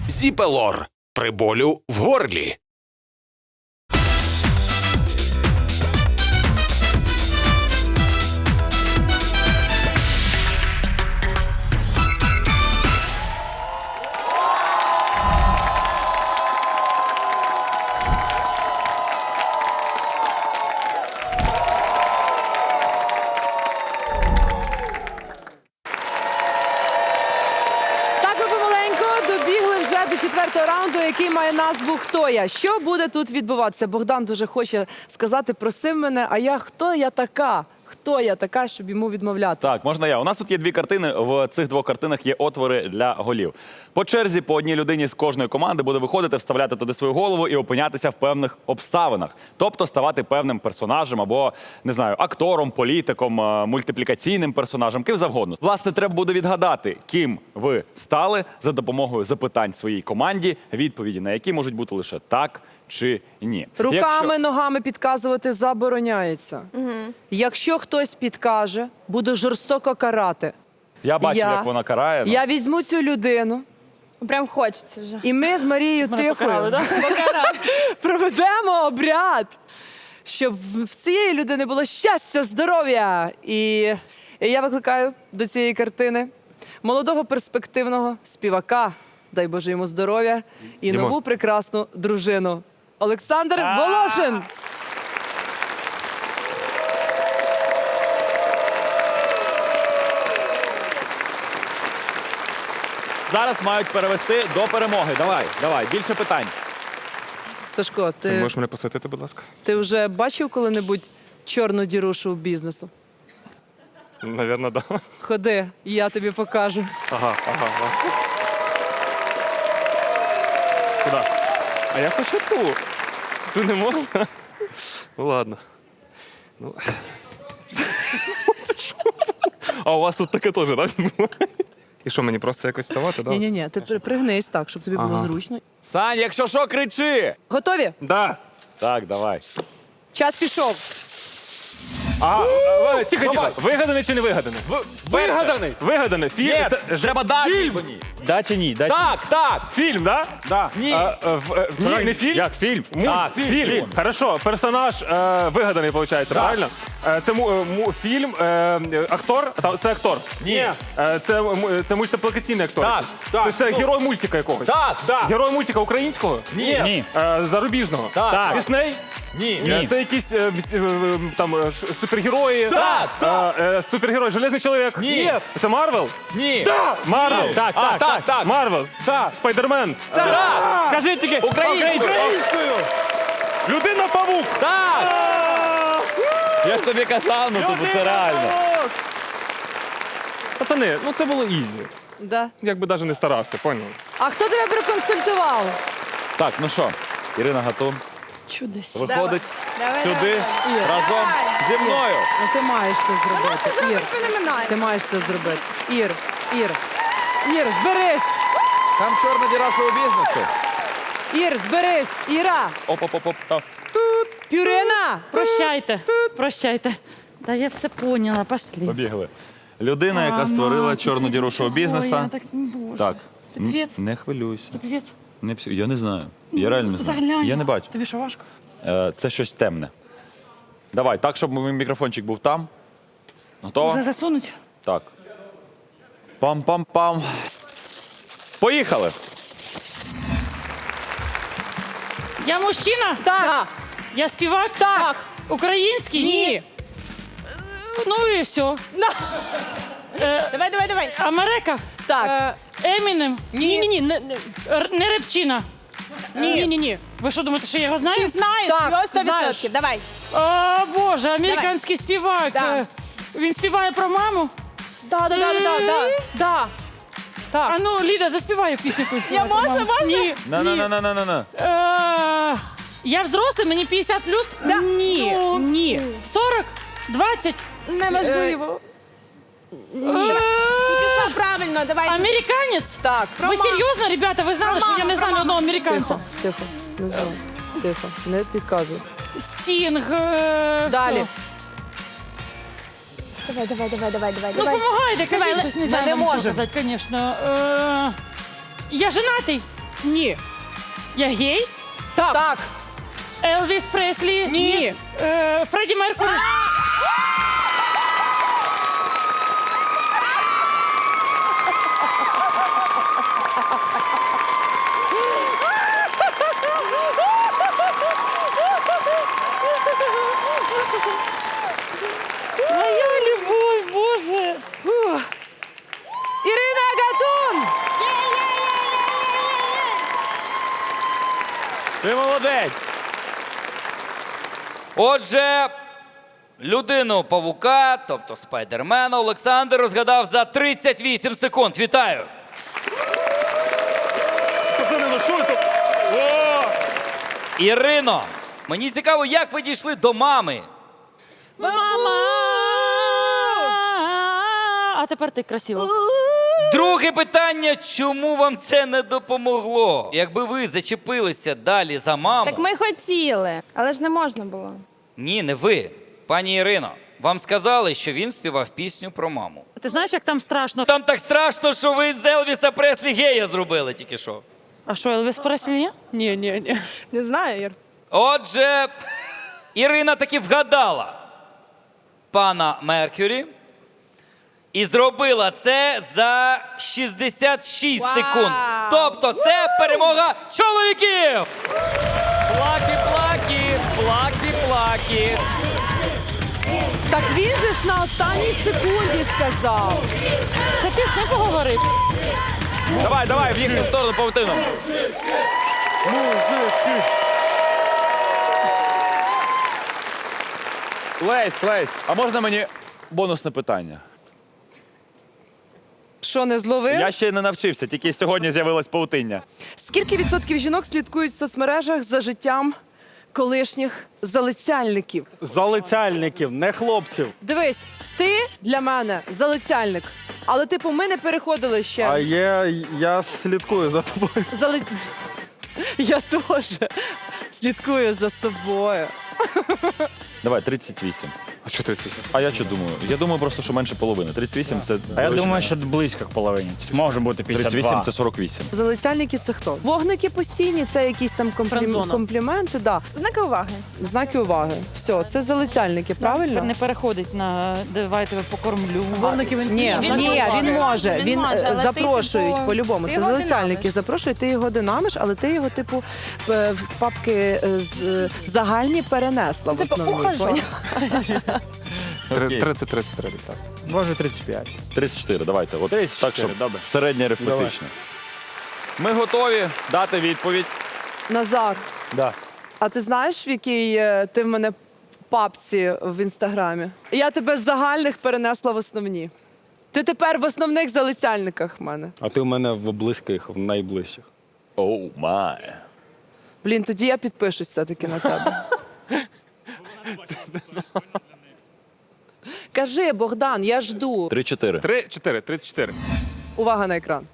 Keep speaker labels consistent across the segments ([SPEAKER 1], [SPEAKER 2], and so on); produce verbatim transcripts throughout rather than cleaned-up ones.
[SPEAKER 1] Зіпелор при болю в горлі.
[SPEAKER 2] До четвертого раунду, який має назву «Хто я?». Що буде тут відбуватися? Богдан дуже хоче сказати, просив мене, а я хто я така? Хто я така, щоб йому відмовляти?
[SPEAKER 3] Так, можна я. У нас тут є дві картини. В цих двох картинах є отвори для голів. По черзі по одній людині з кожної команди буде виходити, вставляти туди свою голову і опинятися в певних обставинах. Тобто ставати певним персонажем або, не знаю, актором, політиком, мультиплікаційним персонажем, ким завгодно. Власне, треба буде відгадати, ким ви стали за допомогою запитань своїй команді, відповіді на які можуть бути лише так чи ні.
[SPEAKER 2] Руками,
[SPEAKER 3] Якщо...
[SPEAKER 2] ногами підказувати забороняється. Угу. Якщо хтось підкаже, буду жорстоко карати.
[SPEAKER 3] Я бачив,
[SPEAKER 2] я...
[SPEAKER 3] як вона карає. Ну.
[SPEAKER 2] Я візьму цю людину.
[SPEAKER 4] Прям хочеться вже.
[SPEAKER 2] І ми з Марією Тихою
[SPEAKER 4] да?
[SPEAKER 2] проведемо обряд, щоб в цієї людини було щастя, здоров'я. І... І я викликаю до цієї картини молодого перспективного співака, дай Боже йому здоров'я, і
[SPEAKER 5] Дімо.
[SPEAKER 2] нову прекрасну дружину. Олександр Волошин!
[SPEAKER 3] Зараз мають перевести до перемоги. Давай, давай, більше питань.
[SPEAKER 2] Сашко,
[SPEAKER 5] Ти
[SPEAKER 2] ти,
[SPEAKER 5] можеш мене посвятити, будь ласка?
[SPEAKER 2] ти вже бачив коли-небудь чорну діру шоу-бізнесу?
[SPEAKER 5] Навірно, так. Да.
[SPEAKER 2] Ходи, і я тобі покажу.
[SPEAKER 5] Ага, ага, ага. Куди? А я хочу ту. Ту не можна? Ну ладно. Ну. А у вас тут таке теж, так? І що, мені просто якось ставати, так?
[SPEAKER 2] Ні-ні-ні, ти при- пригнись так, щоб тобі було
[SPEAKER 5] Ага.
[SPEAKER 2] зручно.
[SPEAKER 3] Сань, якщо що, кричи!
[SPEAKER 2] Готові?
[SPEAKER 5] Да.
[SPEAKER 3] Так, давай.
[SPEAKER 2] Час пішов.
[SPEAKER 5] А, е, тихо, тихо. Вигаданий чи не вигаданий?
[SPEAKER 3] Вигаданий!
[SPEAKER 5] Вигаданий. Фільм.
[SPEAKER 3] Ні,
[SPEAKER 5] Це-
[SPEAKER 3] треба дати мені.
[SPEAKER 5] Да чи ні? Да,
[SPEAKER 3] Так, так!
[SPEAKER 5] Фільм, да?
[SPEAKER 3] Да. Ні.
[SPEAKER 5] А, е, в- е,
[SPEAKER 3] Ні.
[SPEAKER 5] Не фільм? Як фільм?
[SPEAKER 3] Так,
[SPEAKER 5] фільм.
[SPEAKER 3] фільм.
[SPEAKER 5] фільм. Хорошо, персонаж е, вигаданий, виходить, правильно? Е, це му, е, му, фільм, е, е, актор? Та- Це актор?
[SPEAKER 3] Ні.
[SPEAKER 5] Е, це, му- це мультиплікаційний актор?
[SPEAKER 3] Так,
[SPEAKER 5] якийсь?
[SPEAKER 3] так.
[SPEAKER 5] Тобто це
[SPEAKER 3] Ну.
[SPEAKER 5] герой мультика якогось?
[SPEAKER 3] Так, так.
[SPEAKER 5] Герой мультика українського?
[SPEAKER 3] Ні. Ні.
[SPEAKER 5] Е, зарубіжного?
[SPEAKER 3] Так. Так.
[SPEAKER 5] Дисней?
[SPEAKER 3] Ні.
[SPEAKER 5] Е, Це якісь е, віс- е, е, там е, ш- супергерої?
[SPEAKER 3] Так,
[SPEAKER 5] Е, е, Супергерой, Железний чоловік?
[SPEAKER 3] Ні.
[SPEAKER 5] Це Марвел?
[SPEAKER 3] Ні.
[SPEAKER 5] Марвел? Так,
[SPEAKER 3] А,
[SPEAKER 5] так,
[SPEAKER 3] так, так.
[SPEAKER 5] Марвел?
[SPEAKER 3] Так.
[SPEAKER 5] Спайдермен?
[SPEAKER 3] Так.
[SPEAKER 5] Скажи тільки.
[SPEAKER 3] Українською.
[SPEAKER 5] Українською. Людина-павук.
[SPEAKER 3] Так! Я ж тобі казав, ну тобто це реально.
[SPEAKER 5] Людина-павук. Пацани, ну це було ізі.
[SPEAKER 2] Да.
[SPEAKER 5] Якби навіть не старався, поняв?
[SPEAKER 2] А хто тебе проконсультував?
[SPEAKER 3] Так, ну що, Ірина Гатун
[SPEAKER 4] Чудес.
[SPEAKER 3] виходить
[SPEAKER 4] Давай,
[SPEAKER 3] сюди
[SPEAKER 4] давай,
[SPEAKER 3] разом зі мною.
[SPEAKER 2] Ну ти маєш це зробити. Ір,
[SPEAKER 4] феноменально.
[SPEAKER 2] ти маєш це зробити. Ір, Ір, Ір, зберись!
[SPEAKER 3] Там чорна діра шоу-бізнесу.
[SPEAKER 2] Ір, зберись! Іра!
[SPEAKER 3] Оп-оп-оп. оп.
[SPEAKER 2] Пюрина!
[SPEAKER 6] Прощайте, прощайте. Да я все поняла, пошли.
[SPEAKER 3] Побігли. Людина, яка створила чорну діру шоу-бізнесу.
[SPEAKER 6] Ой, я так, боже.
[SPEAKER 3] Так,
[SPEAKER 6] Це
[SPEAKER 3] н-
[SPEAKER 6] півець?
[SPEAKER 3] не хвилюйся.
[SPEAKER 6] Це півець?
[SPEAKER 3] Не псю- Я не знаю. Я реально не знаю.
[SPEAKER 6] Заглянь.
[SPEAKER 3] Я не бачу.
[SPEAKER 6] Тобі що важко?
[SPEAKER 3] Е, Це щось темне. Давай, так, щоб мій мікрофончик був там. Готова?
[SPEAKER 6] Вже засунуть?
[SPEAKER 3] Так. Пам-пам-пам. Поїхали!
[SPEAKER 6] Я мужчина?
[SPEAKER 2] Так!
[SPEAKER 6] Я співак?
[SPEAKER 2] Так!
[SPEAKER 6] Український?
[SPEAKER 2] Ні!
[SPEAKER 6] Ну і все.
[SPEAKER 4] Давай, давай, давай.
[SPEAKER 6] Америка?
[SPEAKER 2] Так!
[SPEAKER 6] Емінем?
[SPEAKER 4] Ні, ні, ні, не, не.
[SPEAKER 6] Р- Не Репчина?
[SPEAKER 4] Ні, ні, ні.
[SPEAKER 6] Ви що думаєте, що я його знаю?
[SPEAKER 4] Знаєш,
[SPEAKER 2] Так,
[SPEAKER 4] його сто
[SPEAKER 2] знаєш.
[SPEAKER 4] відсотків. Давай.
[SPEAKER 6] О, Боже, американський співак.
[SPEAKER 4] Да.
[SPEAKER 6] Е, Він співає про маму?
[SPEAKER 4] Да, да, да, да, да, да. Так.
[SPEAKER 6] А ну, Ліда, заспівай пісню. якусь
[SPEAKER 4] Я
[SPEAKER 6] про
[SPEAKER 4] можна,
[SPEAKER 6] маму.
[SPEAKER 4] можна?
[SPEAKER 6] Ні.
[SPEAKER 3] На-на-на-на-на-на.
[SPEAKER 6] Е, Я взрослий, мені п'ятдесят плюс?
[SPEAKER 4] Да. Ні, ні.
[SPEAKER 6] сорок? двадцять?
[SPEAKER 4] Неможливо. Ні.
[SPEAKER 6] Е,
[SPEAKER 4] Пішла правильно, давай.
[SPEAKER 6] Американець?
[SPEAKER 2] Так!
[SPEAKER 6] Ви
[SPEAKER 4] маму.
[SPEAKER 6] серйозно, ребята? Ви знали,
[SPEAKER 4] Про
[SPEAKER 6] що я
[SPEAKER 4] маму,
[SPEAKER 6] не знаю
[SPEAKER 4] про
[SPEAKER 6] одного американця?
[SPEAKER 2] Тихо, тихо, не збивай. Тихо, не підказуй.
[SPEAKER 6] Стінг. е,
[SPEAKER 2] Далі.
[SPEAKER 6] що?
[SPEAKER 4] Давай, давай, давай, давай, давай.
[SPEAKER 6] Ну,
[SPEAKER 4] давай.
[SPEAKER 6] помагайте,
[SPEAKER 4] Давай,
[SPEAKER 6] кажіть щось, не
[SPEAKER 2] ми
[SPEAKER 6] знаю,
[SPEAKER 2] не
[SPEAKER 6] вам що
[SPEAKER 2] можемо.
[SPEAKER 6] казати, звісно. Е, Я женатий.
[SPEAKER 4] Ні.
[SPEAKER 6] Я гей?
[SPEAKER 4] Так.
[SPEAKER 2] Так.
[SPEAKER 6] Елвіс Преслі?
[SPEAKER 4] Ні.
[SPEAKER 6] Е, Фредді Меркурі? Моя любов, Боже.
[SPEAKER 2] Ірина Гатун!
[SPEAKER 3] Ти молодець.
[SPEAKER 7] Отже, людину павука, тобто спайдермена, Олександр розгадав за тридцять вісім секунд. Вітаю!
[SPEAKER 3] Пацани, ну що це? О!
[SPEAKER 7] Ірино, мені цікаво, як ви дійшли до мами?
[SPEAKER 6] Мама! А тепер ти красиво.
[SPEAKER 7] Друге питання, чому вам це не допомогло? Якби ви зачепилися далі за маму...
[SPEAKER 8] Так ми хотіли, але ж не можна було.
[SPEAKER 7] Ні, не ви. Пані Ірино, вам сказали, що він співав пісню про маму.
[SPEAKER 6] Ти знаєш, як там страшно?
[SPEAKER 7] Там так страшно, що ви з Елвіса Преслі гея зробили тільки що.
[SPEAKER 6] А що, Елвіс Преслі ні?
[SPEAKER 4] Ні, ні, ні.
[SPEAKER 8] Не знаю, Ір.
[SPEAKER 7] Отже, Ірина таки вгадала пана Меркюрі і зробила це за шістдесят шість
[SPEAKER 2] Вау!
[SPEAKER 7] секунд. Тобто це перемога чоловіків!
[SPEAKER 3] Плакі-плакі, плакі-плакі.
[SPEAKER 2] Так він же ж на останній секунді сказав.
[SPEAKER 6] Та ти з ним поговорив.
[SPEAKER 3] Давай, давай, в їхню сторону павутину. Лесь, Лесь, а можна мені бонусне питання?
[SPEAKER 2] Що, не зловив?
[SPEAKER 3] Я ще не навчився, тільки сьогодні з'явилась павутиння.
[SPEAKER 2] Скільки відсотків жінок слідкують в соцмережах за життям колишніх залицяльників?
[SPEAKER 5] Залицяльників, не хлопців.
[SPEAKER 2] Дивись, ти для мене залицяльник, але типу ми не переходили ще.
[SPEAKER 5] А є, я слідкую за тобою.
[SPEAKER 2] Зали... Я теж слідкую за собою.
[SPEAKER 3] Давай, тридцять вісім.
[SPEAKER 5] А що тридцять?
[SPEAKER 3] А я що думаю? Я думаю просто, що менше половини. тридцять вісім це...
[SPEAKER 9] А я
[SPEAKER 3] ближче.
[SPEAKER 9] думаю, що близько к половині. Може бути п'ятдесят два.
[SPEAKER 3] тридцять вісім – це сорок вісім.
[SPEAKER 2] Залицяльники це хто? Вогники постійні, це якісь там комплім...
[SPEAKER 4] Френдзона.
[SPEAKER 2] компліменти, да.
[SPEAKER 8] Знаки уваги.
[SPEAKER 2] Знаки уваги. Все, це залицяльники, правильно?
[SPEAKER 6] Не переходить на «давай я тебе покормлю».
[SPEAKER 4] Вовники він
[SPEAKER 2] Ні,
[SPEAKER 4] знає.
[SPEAKER 2] ні, він може.
[SPEAKER 8] Він
[SPEAKER 2] Він
[SPEAKER 8] може,
[SPEAKER 2] е,
[SPEAKER 8] але ти,
[SPEAKER 2] запрошують
[SPEAKER 8] типу,
[SPEAKER 2] по-любому.
[SPEAKER 8] ти
[SPEAKER 2] Це
[SPEAKER 8] його
[SPEAKER 2] залицяльники
[SPEAKER 8] динамиш.
[SPEAKER 2] запрошують, ти його динамиш, але ти його, типу, е, з папки е, з е, загальні перенесла в
[SPEAKER 8] Типу,
[SPEAKER 2] основній.
[SPEAKER 8] ухажор.
[SPEAKER 2] поняла?
[SPEAKER 3] Окей.
[SPEAKER 5] тридцять тридцять три десь так.
[SPEAKER 9] Може тридцять п'ять.
[SPEAKER 3] тридцять чотири, давайте. От
[SPEAKER 9] тридцять
[SPEAKER 3] так,
[SPEAKER 9] чотири,
[SPEAKER 3] щоб
[SPEAKER 9] добре.
[SPEAKER 3] середнє арифметичне. Ми готові дати відповідь.
[SPEAKER 2] Назар,
[SPEAKER 3] Да.
[SPEAKER 2] а ти знаєш, в якій е, ти в мене папці в інстаграмі? Я тебе з загальних перенесла в основні. Ти тепер в основних залицяльниках в мене.
[SPEAKER 5] А ти у мене в близьких, в найближчих.
[SPEAKER 3] Оу, май.
[SPEAKER 2] Блін, тоді я підпишусь все-таки на тебе. Кажи, Богдан, я жду.
[SPEAKER 3] три чотири.
[SPEAKER 5] Три, чотири, тридцять чотири.
[SPEAKER 2] Увага на екран.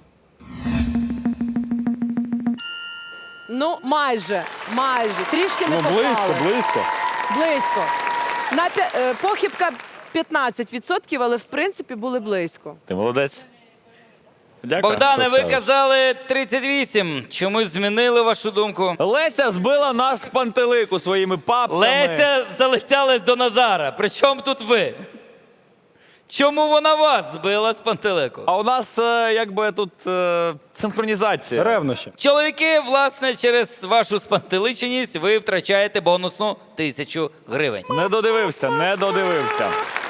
[SPEAKER 2] Ну, майже, майже. Трішки не
[SPEAKER 5] Ну,
[SPEAKER 2] попали.
[SPEAKER 5] близько, близько.
[SPEAKER 2] Близько. На п'я- е, похибка п'ятнадцять відсотків, але в принципі були близько.
[SPEAKER 3] Ти молодець. Дякую.
[SPEAKER 7] Богдане,
[SPEAKER 3] Що
[SPEAKER 7] ви
[SPEAKER 3] скажеш?
[SPEAKER 7] казали тридцять вісім. Чомусь змінили вашу думку.
[SPEAKER 3] Леся збила нас з пантелику своїми папками.
[SPEAKER 7] Леся залицялась до Назара. Причому тут ви? Чому вона вас збила з пантелику?
[SPEAKER 3] А у нас е, якби тут е, синхронізація.
[SPEAKER 5] Ревнощі.
[SPEAKER 7] Чоловіки, власне, через вашу спантеличеність ви втрачаєте бонусну тисячу гривень.
[SPEAKER 3] Не додивився, не додивився.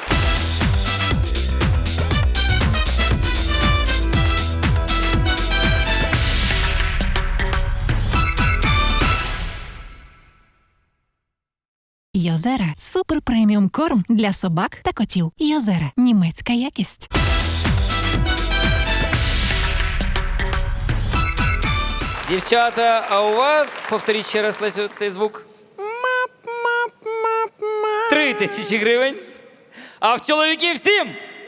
[SPEAKER 10] Йозера – супер преміум корм для собак та котів. Йозера – німецька якість.
[SPEAKER 7] Дівчата, а у вас, повторіть ще раз, Лесю, цей звук. Три тисячі гривень. А в чоловіків сім.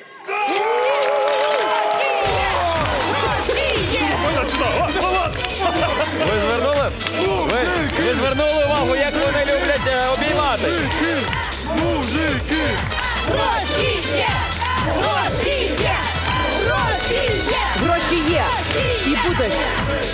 [SPEAKER 3] Ви звернули? Ви, ви звернули увагу, як вони люблять е, обіймати.
[SPEAKER 2] Гроші є і будуть.